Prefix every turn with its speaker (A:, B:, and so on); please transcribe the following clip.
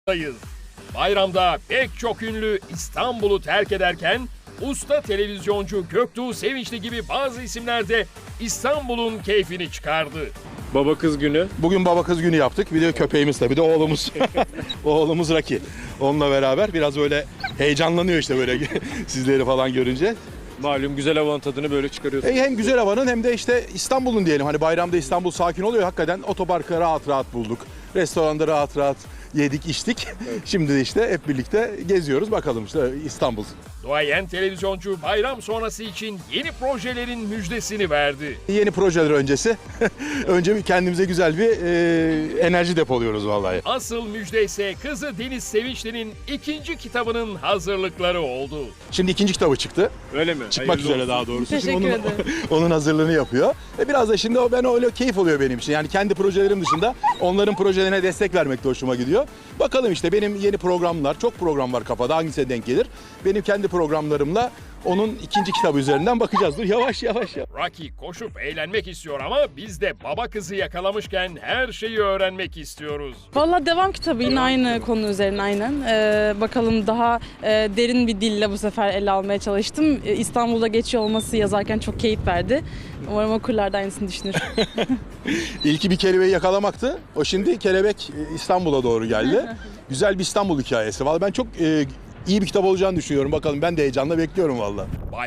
A: Bayramda pek çok ünlü İstanbul'u terk ederken usta televizyoncu Göktuğ Sevinçli gibi bazı isimler de İstanbul'un keyfini çıkardı.
B: Baba kız günü.
C: Bugün baba kız günü yaptık. Bir de köpeğimiz tabii, bir de oğlumuz. Oğlumuz Raki. Onunla beraber biraz böyle heyecanlanıyor işte böyle sizleri falan görünce.
B: Malum güzel havanın tadını böyle çıkarıyorsun.
C: Hem güzel havanın hem de işte İstanbul'un diyelim. Hani bayramda İstanbul sakin oluyor. Hakikaten otoparkı rahat rahat bulduk. Restoranda rahat rahat yedik içtik. Şimdi de işte hep birlikte geziyoruz. Bakalım işte İstanbul.
A: Duayen televizyoncu bayram sonrası için yeni projelerin müjdesini verdi.
C: Yeni projeler öncesi. Önce bir kendimize güzel bir enerji depoluyoruz vallahi.
A: Asıl müjde ise kızı Deniz Sevinçli'nin ikinci kitabının hazırlıkları oldu.
C: Şimdi ikinci kitabı çıktı.
B: Öyle mi?
C: Çıkmak
B: Hayırlı
C: üzere
B: olsun.
C: daha doğrusu.
D: Teşekkür
C: Şimdi
D: ederim.
C: onun hazırlığını yapıyor. Biraz da şimdi ben öyle keyif oluyor benim için. Yani kendi projelerim dışında onların projelerine destek vermek de hoşuma gidiyor. Bakalım işte benim yeni programlar, çok program var kafada, hangisine denk gelir. Benim kendi programlarımla onun ikinci kitabı üzerinden bakacağız. Dur yavaş yavaş.
A: Rocky koşup eğlenmek istiyor ama biz de baba kızı yakalamışken her şeyi öğrenmek istiyoruz.
D: Valla devam kitabı yine aynı konu üzerine aynen. Bakalım daha derin bir dille bu sefer ele almaya çalıştım. İstanbul'da geçiyor olması yazarken çok keyif verdi. Umarım okurlar da aynısını düşünür.
C: İlki bir kelebeği yakalamaktı. O şimdi kelebek İstanbul'a doğru geldi. Güzel bir İstanbul hikayesi. Vallahi ben çok iyi bir kitap olacağını düşünüyorum. Bakalım, ben de heyecanla bekliyorum vallahi.